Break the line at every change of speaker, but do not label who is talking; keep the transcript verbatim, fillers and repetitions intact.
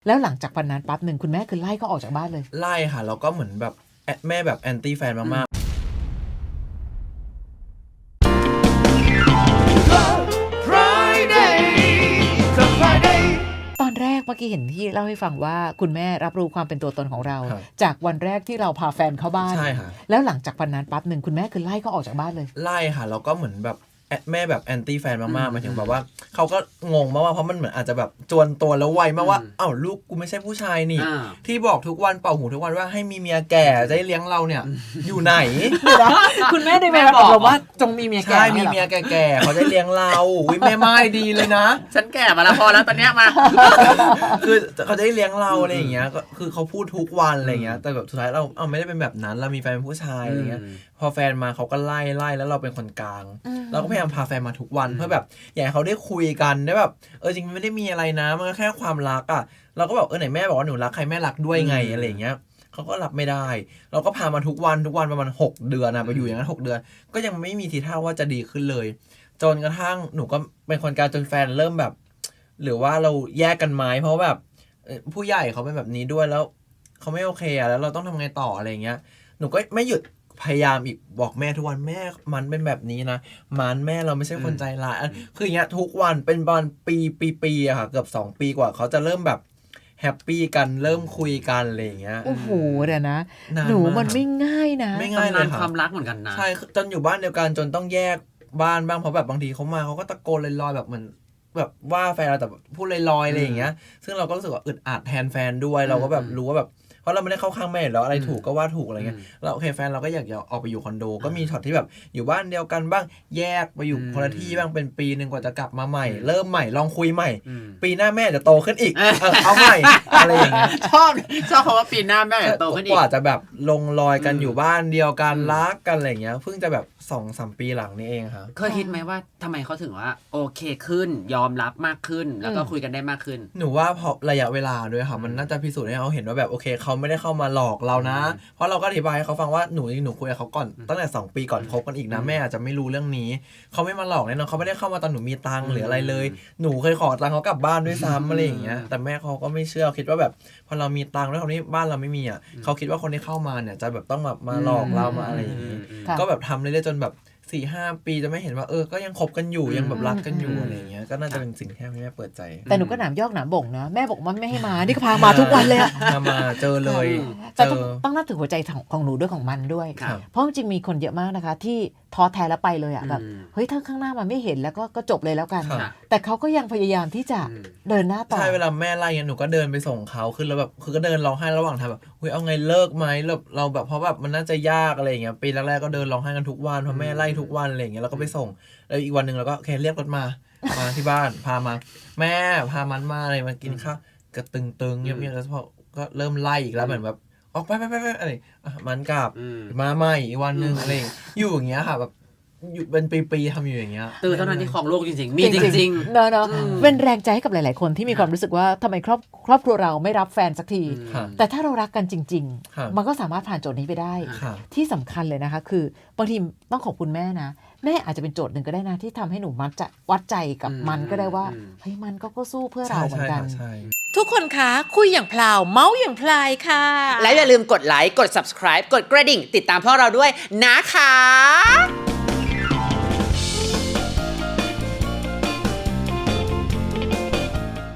แล้วหลังจากวันนั้นปั๊บหนึ่งคุณแม่คือไล่เขาออกจากบ้านเลย
ไล่ค่ะแล้วก็เหมือนแบบแม่แบบแอนตี้แฟนมากๆ
ตอนแรกเมื่อกี้เห็นที่เล่าให้ฟังว่าคุณแม่รับรู้ความเป็นตัวตนของเราจากวันแรกที่เราพาแฟนเข้าบ้าน
ใช่ค่ะ
แล้วหลังจากวันนั้นปั๊บหนึ่งคุณแม่คือไล่เขาออกจากบ้านเลย
ไล่ค่ะแล้วก็เหมือนแบบแม่แบบแอนตี้แฟนมากๆหมายถึงแบบว่าเขาก็งงมากว่าเพราะมันเหมือนอาจจะแบบจวนตัวแล้วไวมากว่าอ้าวลูกกูไม่ใช่ผู้ชายนี่ที่บอกทุกวันเป่าหูทุกวันว่าให้มีเมียแก่จะได้เลี้ยงเราเนี่ยอยู่ไหน
คุณแม่ได้แม่บอกเราว่าจงมีเมียแก่
ใช่มีเมียแก่ๆเขาจะเลี้ยงเราอุ้ยแม่ไม่ดีเลยนะ
ฉันแก่มาแล้วพอแล้วตอนเนี้ยมา
คือเขาจะได้เลี้ยงเราอะไรอย่างเงี้ยก็คือเขาพูดทุกวันอะไรอย่างเงี้ยแต่แบบสุดท้ายเราเอาไม่ได้เป็นแบบนั้นเรามีแฟนเป็นผู้ชายอะไรเงี้ยพอแฟนมาเขาก็ไล่ไล่แล้วเราเป็นคนกลางเราก็พยายามพาแฟนมาทุกวันเพื่อแบบอยากให้เขาได้คุยกันได้แบบเออจริงมันไม่ได้มีอะไรนะมันก็แค่ความรักอ่ะเราก็แบบเออไหนแม่บอกว่าหนูรักใครแม่รักด้วยไงอะไรอย่างเงี้ยเขาก็รับไม่ได้เราก็พามาทุกวันทุกวันประมาณหกเดือนนะไปอยู่อย่างนั้นหกเดือนก็ยังไม่มีทีท่าว่าจะดีขึ้นเลยจนกระทั่งหนูก็เป็นคนกลางจนแฟนเริ่มแบบหรือว่าเราแยกกันไหมเพราะแบบผู้ใหญ่เขาเป็นแบบนี้ด้วยแล้วเขาไม่โอเคอ่ะแล้วเราต้องทำไงต่ออะไรเงี้ยหนูก็ไม่หยุดพยายามอีกบอกแม่ทุกวันแม่มันเป็นแบบนี้นะมันแม่เราไม่ใช่คนใจร้ายคืออย่างเงี้ยทุกวันเป็นประมาณปีปีปีอะค่ะเกือบสองปีกว่าเขาจะเริ่มแบบแฮปปี้กันเริ่มคุยกันอะไรอย่างเงี้ย
โอ้โหเดี๋ยวนะหนูมันไม่ง่ายนะ
ไม่ง่ายเลยค่ะ
ความรักเหมือนกันนะ
ใช่จนอยู่บ้านเดียวกันจนต้องแยกบ้านบ้างเพราะแบบบางทีเขามาเขาก็ตะโกนลอยๆแบบเหมือนแบบว่าแฟนเราแต่พูดลอยๆอะไรอย่างเงี้ยซึ่งเราก็รู้สึกว่าอึดอัดแทนแฟนด้วยเราก็แบบรู้ว่าแบบเพราะเราไม่ได้เข้าข้างแม่แล้วอะไรถูกก็ว่าถูกอะไรเงี้ยเราโอเคแฟนเราก็อยากจะออกไปอยู่คอนโดก็มีช็อตที่แบบอยู่บ้านเดียวกันบ้างแยกไปอยู่คนละที่บ้างเป็นปีนึงกว่าจะกลับมาใหม่เริ่มใหม่ลองคุยใหม่ปีหน้าแม่จะโตขึ้นอีกเอาใหม่อะไรอย่างเงี้ย
ชอบชอบคำว่าปีหน้าแม่จะโตขึ้นอีก
กว่าจะแบบลงรอยกันอยู่บ้านเดียวกันรักกันอะไรเงี้ยเพิ่งจะแบบ สองสาม ปีหลังนี้เองครับ
เคยคิดไหมว่าทำไมเขาถึงว่าโอเคขึ้นยอมรับมากขึ้นแล้วก็คุยกันได้มากขึ้น
หนูว่าเพราะระยะเวลาด้วยค่ะมันน่าจะพิสูจน์ให้เขาเห็นว่าแบบโอเคเขาไม่ได้เข้ามาหลอกเรานะเพราะเราก็อธิบายให้เขาฟังว่าหนูหนูคุยกับเขาก่อนตั้งแต่สองปีก่อนคบกันอีกนะแม่อาจจะไม่รู้เรื่องนี้เขาไม่มาหลอกแน่นอนเขาไม่ได้เข้ามาตอนหนูมีตังค์หรืออะไรเลยหนูเคยขอตังค์เขากลับบ้านด้วยซ้ำอะไรอย่างเงี้ยแต่แม่เขาก็ไม่เชื่อคิดว่าแบบพอเรามีตังค์แล้วคราวนี้บ้านเราไม่มีอ่ะเขาคิดว่าคนที่เข้ามาเนี่ยจะแบบต้องแบบมาหลอกเรามาอะไรอย่างงี้ก็แบบทำเรื่อยๆจนแบบสี่ห้า ปีจะไม่เห็นว่าเออก็ยังคบกันอยู่ยังแบบรักกันอยู่อะไรอย่างเงี้ยก็น่าจะเป็นสิ่งที่แม่เปิดใจ
แต่หนูก็หนามยอกหนามบ่งนะแม่บอกว่าไม่ให้มานี่ก็พามาทุกวันเลยอะ
มาเจอเลย
แต่ต้องนับถือหัวใจของหนูด้วยของมันด้วยเพราะจริงมีคนเยอะมากนะคะที่ท้อแท้แล้วไปเลยอ่ะแบบเฮ้ยถ้าข้างหน้ามันไม่เห็นแล้วก็ก็จบเลยแล้วกันแต่เขาก็ยังพยายามที่จะเดินหน้าต่อ
ใช่เวลาแม่ไล่เงี้ยหนูก็เดินไปส่งเขาคือแล้วแบบคือก็เดินร้องไห้ระหว่างทางแบบเฮ้ยเอาไงเลิกไหมเราเราแบบเพราะแบบมันน่าจะยากอะไรอย่างเงี้ยปีแรกๆก็เดินร้องไห้กันทุกวันเพราะแม่ไล่ทุกวันอะไรอย่างเงี้ยแล้วก็ไปส่งแล้วอีกวันนึงเราก็โอเคเรียกรถมามาที่บ้านพามาแม่พามันมาอะไรมากินข้าวกระตึงๆเงียบๆแล้วพอก็เริ่มไล่อีกแล้วเหมือนแบบออกไปไปไปไปอะไรมันกลับมาใหม่อีกวันนึงอะไรอยู่อย่างเงี้ยค่ะแบบอยู่เป็นปีๆทำอยู่อย่างเงี้ย
ตื่นเท่านั้นที่ของโลกจริงๆมีจริง
ๆเนาะเนาะเป็นแรงใจให้กับหลายๆคนที่มีความรู้สึกว่าทำไมครอบครอบครัวเราไม่รับแฟนสักทีแต่ถ้าเรารักกันจริงๆมันก็สามารถผ่านโจทย์นี้ไปได้ที่สำคัญเลยนะคะคือบางทีต้องขอบคุณแม่นะแม่อาจจะเป็นโจทย์หนึ่งก็ได้นะที่ทำให้หนูมัดจะวัดใจกับมันก็ได้ว่าเฮ้ยมันก็ก็สู้เพื่อเราเหมือนกัน
ทุกคนคะคุยอย่างพลาวเมาส์อย่างพลายค่ะ
และอย่าลืมกดไลค์กด ซับสไครบ์ กดกระดิ่งติดตามพวกเราด้วยนะคะ